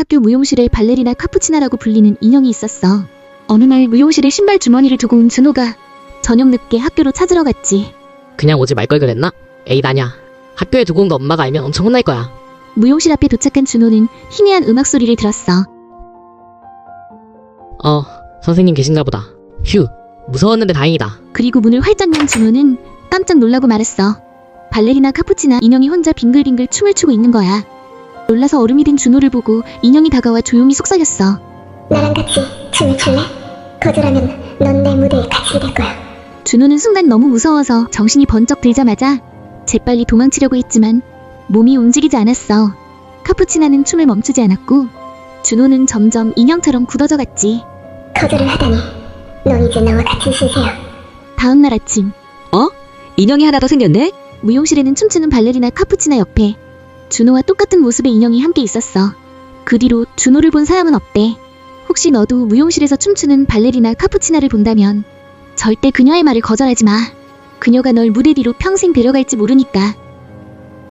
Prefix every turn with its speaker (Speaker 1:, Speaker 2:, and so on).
Speaker 1: 학교 무용실에 발레리나 카푸치나라고 불리는 인형이 있었어. 어느 날 무용실에 신발 주머니를 두고 온 준호가 저녁 늦게 학교로 찾으러 갔지.
Speaker 2: 그냥 오지 말 걸 그랬나? 에이 나냐. 학교에 두고 온 거 엄마가 알면 엄청 혼날 거야.
Speaker 1: 무용실 앞에 도착한 준호는 희미한 음악 소리를 들었어.
Speaker 2: 선생님 계신가 보다. 휴, 무서웠는데 다행이다.
Speaker 1: 그리고 문을 활짝 연 준호는 깜짝 놀라고 말았어. 발레리나 카푸치나 인형이 혼자 빙글빙글 춤을 추고 있는 거야. 놀라서 얼음이 된 준호를 보고 인형이 다가와 조용히 속삭였어.
Speaker 3: 나랑 같이 춤을 출래? 거절하면 넌 내 무대에 갇히게 될 거야.
Speaker 1: 준호는 순간 너무 무서워서 정신이 번쩍 들자마자 재빨리 도망치려고 했지만 몸이 움직이지 않았어. 카푸치나는 춤을 멈추지 않았고 준호는 점점 인형처럼 굳어져 갔지.
Speaker 3: 거절을 하다니 넌 이제 나와 같은 신세야.
Speaker 1: 다음 날 아침
Speaker 4: 인형이 하나 더 생겼네?
Speaker 1: 무용실에는 춤추는 발레리나 카푸치나 옆에 준호와 똑같은 모습의 인형이 함께 있었어. 그 뒤로 준호를 본 사람은 없대. 혹시 너도 무용실에서 춤추는 발레리나 카푸치나를 본다면 절대 그녀의 말을 거절하지 마. 그녀가 널 무대 뒤로 평생 데려갈지 모르니까.